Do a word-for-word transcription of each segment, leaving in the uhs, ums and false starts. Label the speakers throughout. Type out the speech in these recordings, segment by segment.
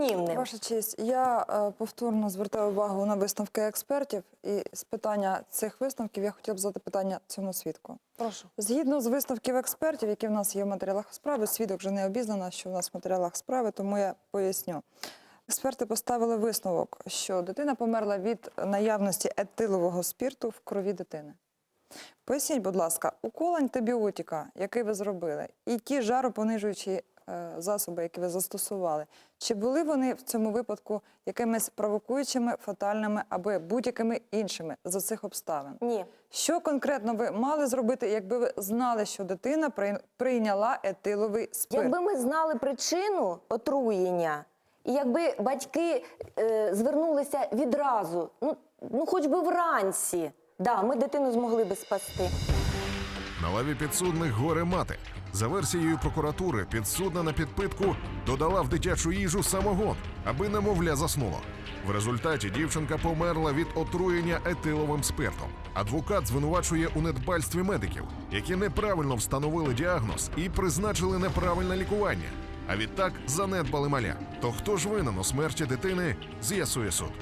Speaker 1: анонімним.
Speaker 2: Ваша честь, я е, повторно звертаю увагу на висновки експертів, і з питання цих висновків я хотіла б задати питання цьому свідку.
Speaker 1: Прошу.
Speaker 2: Згідно з висновків експертів, які в нас є в матеріалах справи, свідок вже не обізнана, що в нас в матеріалах справи, тому я поясню. Експерти поставили висновок, що дитина померла від наявності етилового спирту в крові дитини. Поясніть, будь ласка, укол антибіотика, який ви зробили, і ті жаропонижуючі е, засоби, які ви застосували, чи були вони в цьому випадку якимись провокуючими, фатальними або будь-якими іншими за цих обставин?
Speaker 1: Ні.
Speaker 2: Що конкретно ви мали зробити, якби ви знали, що дитина прийняла етиловий спирт?
Speaker 1: Якби ми знали причину отруєння, і якби батьки е, звернулися відразу, ну, ну хоч би вранці, да, ми дитину змогли би спасти.
Speaker 3: На лаві підсудних горе мати. За версією прокуратури, підсудна на підпитку додала в дитячу їжу самогон, аби немовля заснуло. В результаті дівчинка померла від отруєння етиловим спиртом. Адвокат звинувачує у недбальстві медиків, які неправильно встановили діагноз і призначили неправильне лікування. А відтак занедбали маля. То хто ж винен у смерті дитини, з'ясує суд.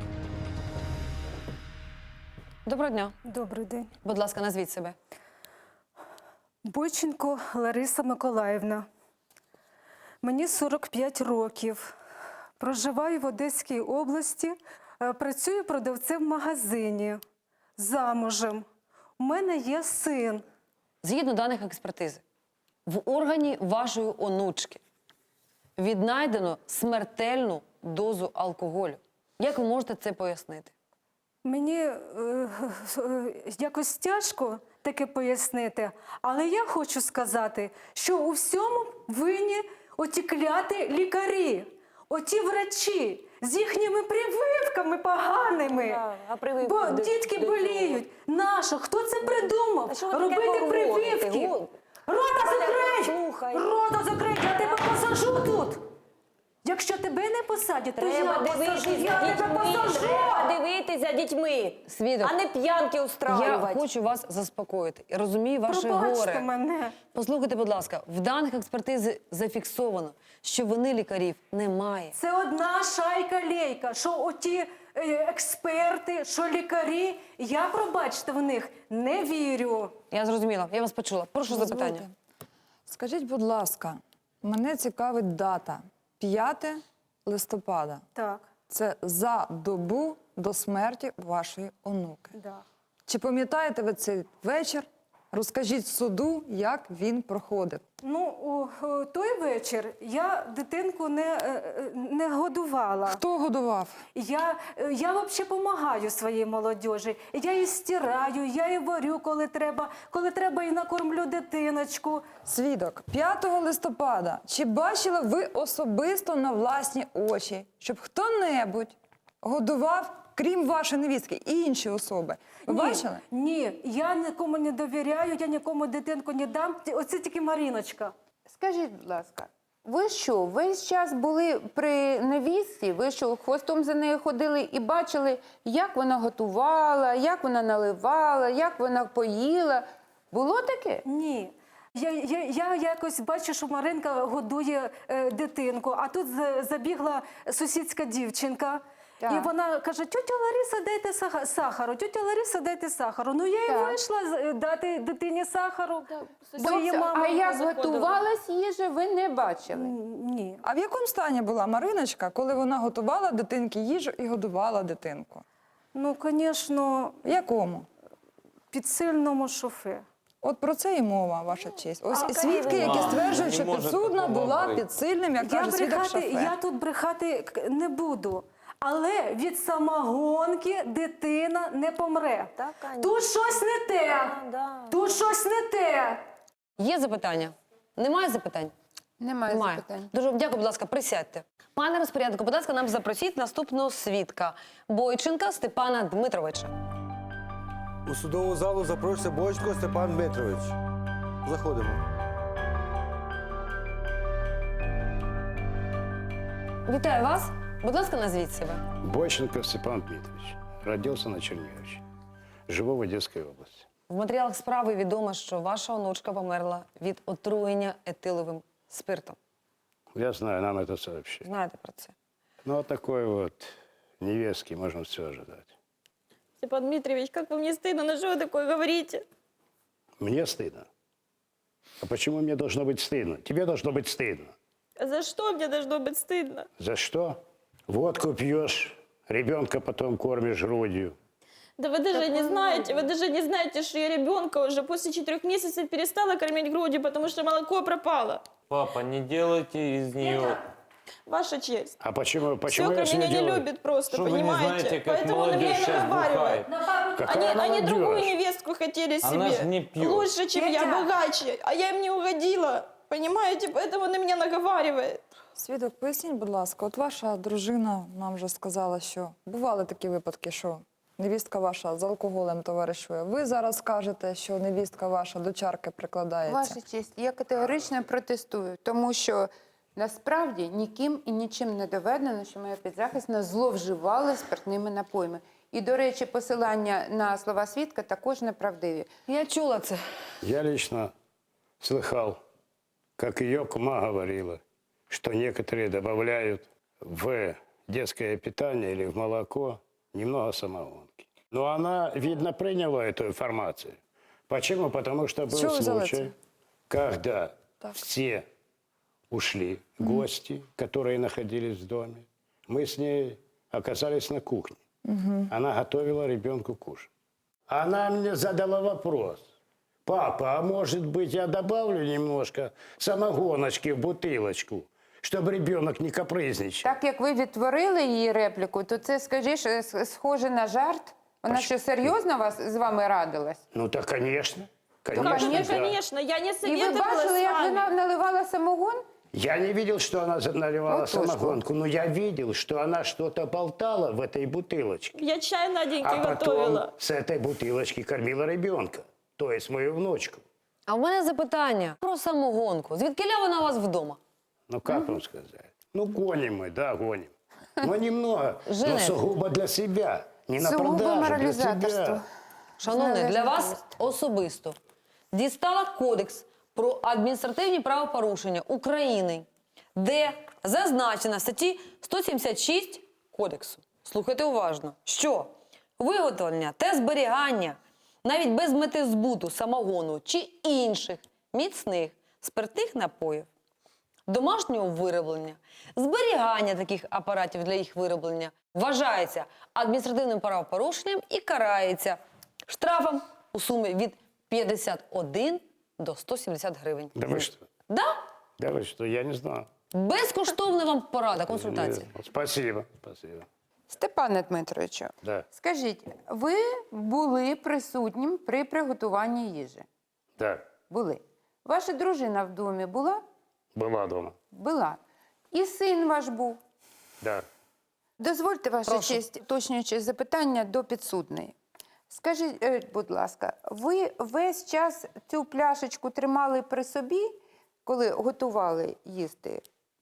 Speaker 4: Доброго дня.
Speaker 5: Добрий день.
Speaker 4: Будь ласка, назвіть себе.
Speaker 5: Бойченко Лариса Миколаївна. Мені сорок п'ять років. Проживаю в Одеській області, е, працюю продавцем в магазині, замужем. У мене є син.
Speaker 4: Згідно даних експертизи, в органі вашої онучки віднайдено смертельну дозу алкоголю. Як ви можете це пояснити?
Speaker 5: Мені е, е, якось тяжко таке пояснити, але я хочу сказати, що у всьому винні оті кляті лікарі, оті врачі з їхніми прививками поганими.
Speaker 1: Да, а прививки
Speaker 5: Бо
Speaker 1: до-
Speaker 5: дітки
Speaker 1: до
Speaker 5: боліють. Нащо? Хто це придумав?
Speaker 1: А що ви таке
Speaker 5: Робити
Speaker 1: говорите?
Speaker 5: прививки.
Speaker 1: Гу-
Speaker 5: Рота закрий!
Speaker 1: Слухай.
Speaker 5: Рота закрий, я тебе посажу тут. Якщо тебе не посадять, то
Speaker 1: Треба
Speaker 5: я
Speaker 1: дивитися
Speaker 5: посажу, я тебе
Speaker 1: дітьми,
Speaker 5: посажу.
Speaker 1: треба дивитися дітьми,
Speaker 4: Свідок.
Speaker 1: а не п'янки
Speaker 4: Я
Speaker 1: устраювати.
Speaker 4: хочу вас заспокоїти. Я розумію ваше
Speaker 5: Пробачте
Speaker 4: горе.
Speaker 5: мене.
Speaker 4: Послухайте, будь ласка, в даних експертизи зафіксовано, що вини лікарів немає.
Speaker 5: Це одна шайка-лейка, що оті е, експерти, що лікарі, я, пробачте, в них не вірю.
Speaker 4: Я зрозуміла, я вас почула. Прошу запитання.
Speaker 2: Дозвольте. Скажіть, будь ласка, мене цікавить дата п'яте листопада.
Speaker 5: Так,
Speaker 2: Це за добу до смерті вашої онуки.
Speaker 5: да.
Speaker 2: Чи пам'ятаєте ви цей вечір? Розкажіть суду, як він проходив.
Speaker 5: Ну, у, у той вечір я дитинку не, е, е, не годувала.
Speaker 2: Хто годував?
Speaker 5: Я, е, я взагалі допомагаю своїй молодіжі. Я її стираю, я її варю, коли треба, коли треба і накормлю дитиночку.
Speaker 2: Свідок, п'ятого листопада, чи бачили ви особисто на власні очі, щоб хто-небудь годував, крім вашої невістки, і інші особи? Ви
Speaker 5: Ні,
Speaker 2: бачили?
Speaker 5: Ні, я нікому не довіряю, я нікому дитинку не дам. Оце тільки Маріночка.
Speaker 6: Скажіть, будь ласка, ви що, весь час були при невістці? Ви що, хвостом за нею ходили і бачили, як вона готувала, як вона наливала, як вона поїла? Було таке?
Speaker 5: Ні. Я, я, я якось бачу, що Маринка годує е, дитинку, а тут за- забігла сусідська дівчинка.
Speaker 6: Так.
Speaker 5: І вона каже: тьотя Лариса, дайте саха- сахару, тьотя Лариса, дайте сахару. Ну я і
Speaker 6: Так.
Speaker 5: вийшла з- дати дитині сахару, бо її
Speaker 6: Тобто,
Speaker 5: мама...
Speaker 6: а як готувалась їжа, ви не бачили?
Speaker 5: Ні.
Speaker 2: А в якому стані була Мариночка, коли вона готувала дитинки їжу і годувала дитинку?
Speaker 5: Ну, звісно,
Speaker 2: В якому?
Speaker 5: під сильному шофе.
Speaker 2: От про це і мова, ваша честь. Ось
Speaker 1: А,
Speaker 2: і свідки,
Speaker 1: Каріна,
Speaker 2: які
Speaker 1: не
Speaker 2: стверджують, що
Speaker 7: може
Speaker 2: підсудна
Speaker 7: такого
Speaker 2: була
Speaker 7: бути.
Speaker 2: під сильним, як
Speaker 5: Я,
Speaker 2: каже свідок
Speaker 5: брехати,
Speaker 2: шофер.
Speaker 5: я тут брехати к- не буду. Але від самогонки дитина не помре.
Speaker 1: Так, Аня.
Speaker 5: Тут щось не те.
Speaker 1: Да, да.
Speaker 5: Тут щось не те.
Speaker 4: Є запитання? Немає запитань?
Speaker 6: Немає,
Speaker 4: Немає.
Speaker 6: запитань.
Speaker 4: Дуже вам дякую, будь ласка, присядьте. Пане розпоряднику, будь ласка, нам запросіть наступного свідка Бойченка Степана Дмитровича.
Speaker 8: У судову залу запрошується Бойченко Степан Дмитрович. Заходимо.
Speaker 4: Вітаю вас. Будь ласка, назвіть себе.
Speaker 9: Бойченко Степан Дмитрович. Родился на Черниговиче. Живу в Одесской области.
Speaker 4: В матеріалах справи відомо, що ваша онучка померла від отруєння етиловим спиртом.
Speaker 9: Я знаю, нам это сообщили.
Speaker 4: Знаєте про це?
Speaker 9: Ну, от такой вот невестки можно все ожидать.
Speaker 7: Степан Дмитриевич, как вам не стыдно? Ну что вы такое говорите?
Speaker 9: Мне стыдно. А почему мне должно быть стыдно? Тебе должно быть стыдно.
Speaker 7: А за что мне должно быть стыдно?
Speaker 9: За что? Водку пьешь, ребенка потом кормишь грудью.
Speaker 7: Да вы даже не знаете, вы даже не знаете, что я ребенка уже после четырех месяцев перестала кормить грудью, потому что молоко пропало.
Speaker 10: Папа, не делайте из нее...
Speaker 7: Ваша честь.
Speaker 9: А почему, почему
Speaker 7: Свекра
Speaker 9: я с ней
Speaker 7: меня не
Speaker 9: делаю?
Speaker 7: любит просто,
Speaker 10: Что вы не
Speaker 7: понимаете?
Speaker 10: знаете, как
Speaker 7: Поэтому он
Speaker 10: молодежь
Speaker 7: меня
Speaker 10: сейчас
Speaker 7: наговаривает.
Speaker 10: бухает?
Speaker 9: Какая
Speaker 7: Они, они
Speaker 9: молодежь?
Speaker 7: другую невестку хотели
Speaker 10: Она
Speaker 7: себе.
Speaker 10: ж не пьет.
Speaker 7: Лучше, чем я,
Speaker 5: Петя.
Speaker 7: богаче. А я им не угодила. Понимаете? Поэтому он на меня наговаривает.
Speaker 2: Свідок, поясніть, будь ласка, от ваша дружина нам вже сказала, що бували такі випадки, що невістка ваша з алкоголем товаришує. Ви зараз кажете, що невістка ваша до чарки прикладається.
Speaker 6: Ваша честь, я категорично протестую, тому що насправді ніким і нічим не доведено, що моя підзахисна зловживала спиртними напоями. І, до речі, посилання на слова свідка також неправдиві.
Speaker 4: Я чула це.
Speaker 9: Я лично слыхал, как ее кума говорила, что некоторые добавляют в детское питание или в молоко немного самогонки. Но она, видно, приняла эту информацию. Почему? Потому что был
Speaker 2: чего вы взяли
Speaker 9: случай,
Speaker 2: это?
Speaker 9: когда
Speaker 2: Так.
Speaker 9: все ушли, гости, которые находились в доме. Мы с ней оказались на кухне. Она готовила ребенку кушать. Она мне задала вопрос. Папа, а может быть я добавлю немножко самогоночки в бутылочку, чтобы ребенок не капризничал?
Speaker 6: Так як ви відтворили її репліку, то це, скажіш, с- схоже на жарт. Вона що, серйозно вас, з вами радилась?
Speaker 9: Ну так, конечно. Конечно,
Speaker 7: Конечно,
Speaker 9: да.
Speaker 7: конечно. Я не
Speaker 6: І ви
Speaker 7: советовалась
Speaker 6: бачили,
Speaker 7: с
Speaker 6: як
Speaker 7: вами.
Speaker 6: вона наливала самогон?
Speaker 9: Я не видел, что она за- наливала
Speaker 6: Вот тоже
Speaker 9: самогонку, но я видел, что она что-то болтала в этой бутылочке.
Speaker 7: Я чай Наденьке
Speaker 9: А потом
Speaker 7: готовила.
Speaker 9: с этой бутылочки кормила ребенка, то есть мою внучку.
Speaker 4: А в мене запитання про самогонку. Звідкиля вона у вас вдома?
Speaker 9: Ну, как вам сказать? Ну, гоним мы, да, гоним. Но немного, но
Speaker 4: Женя.
Speaker 9: сугубо для себя. Не на
Speaker 6: Сугубо
Speaker 9: продажу, для
Speaker 6: моралізаторство.
Speaker 9: себя.
Speaker 4: Шановний, для
Speaker 6: Належно
Speaker 4: вас
Speaker 6: їсти.
Speaker 4: особисто дістала Кодекс про адміністративні правопорушення України, де зазначено в статті сто сімдесят шість Кодексу, слухайте уважно, що виготовлення та зберігання навіть без мети збуту самогону чи інших міцних спиртних напоїв, домашнього вироблення, зберігання таких апаратів для їх вироблення вважається адміністративним правопорушенням і карається штрафом у сумі від п'ятдесят один до ста сімдесят гривень.
Speaker 9: Да вы что?
Speaker 4: Да?
Speaker 9: Да вы что, я не знал.
Speaker 4: Безкоштовна вам порада, консультація.
Speaker 9: Нет. Спасибо, спасибо.
Speaker 6: Степане Дмитровичу,
Speaker 9: Да,
Speaker 6: скажіть, ви були присутнім при приготуванні їжі?
Speaker 9: да,
Speaker 6: Були. Ваша дружина в домі була?
Speaker 9: была дома.
Speaker 6: Була. І син ваш був?
Speaker 9: Да.
Speaker 6: Дозвольте, ваша
Speaker 4: Прошу.
Speaker 6: честь, уточнюючи запитання до підсудної. Скажіть, е, будь ласка, ви весь час цю пляшечку тримали при собі, коли готували їсти?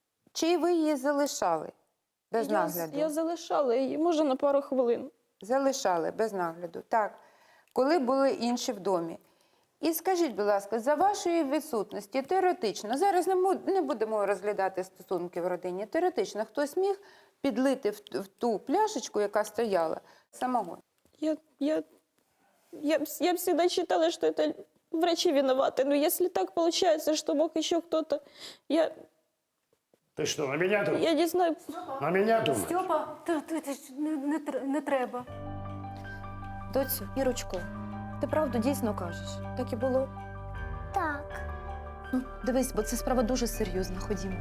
Speaker 6: Чи ви її залишали без
Speaker 7: Я,
Speaker 6: нагляду?
Speaker 7: я залишала її, може, на пару хвилин.
Speaker 6: Залишали без нагляду, так. Коли були інші в домі. І скажіть, будь ласка, за вашої відсутності, теоретично, зараз не, му- не будемо розглядати стосунки в родині, теоретично, хтось міг підлити в, в ту пляшечку, яка стояла, самогон?
Speaker 7: Я, я, я, вс- я всегда считала, что это врачи виноваты. Но если так получается, что мог еще кто-то, я,
Speaker 9: Ты что, на меня думаешь?
Speaker 7: я не знаю.
Speaker 9: На меня думаешь?
Speaker 5: Стьопа, ти, ти, ти ж не, не, тр- не треба.
Speaker 1: Доцю, Ірочко, ти правду дійсно кажеш? Так і було?
Speaker 11: Так.
Speaker 1: Ну, дивись, бо це справа дуже серйозна. Ходімо.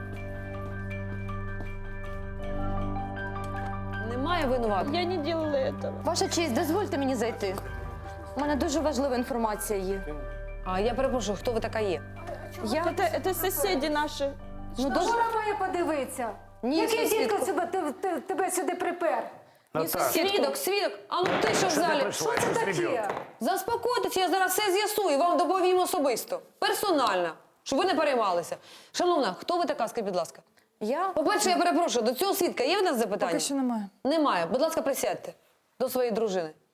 Speaker 4: Немає винуватих.
Speaker 7: Я не делала этого.
Speaker 1: Ваша честь, дозвольте мені зайти. У мене дуже важлива інформація є.
Speaker 4: А я перепрошую, хто ви така є?
Speaker 1: Я?
Speaker 7: Это, это соседи наши.
Speaker 1: Ну, дуже...
Speaker 5: Вона має подивитися.
Speaker 1: Ні,
Speaker 5: Який
Speaker 1: сусідко.
Speaker 5: дідько себе, те- те- тебе сюди припер?
Speaker 9: Наташа,
Speaker 4: Свідок, свідок, а ну ти що в
Speaker 9: что ты
Speaker 4: залі?
Speaker 9: пришла
Speaker 5: Що це
Speaker 9: с
Speaker 5: таке?
Speaker 9: ребенком?
Speaker 4: Заспокойтеся, я зараз все з'ясую, вам доповім особисто, персонально, щоб ви не переймалися. Шановна, хто ви така, скажіть, будь ласка?
Speaker 1: Я?
Speaker 4: По-перше, я перепрошую, до цього свідка є в нас запитання?
Speaker 2: Поки що немає.
Speaker 4: Немає. Будь ласка, присядьте до своєї дружини.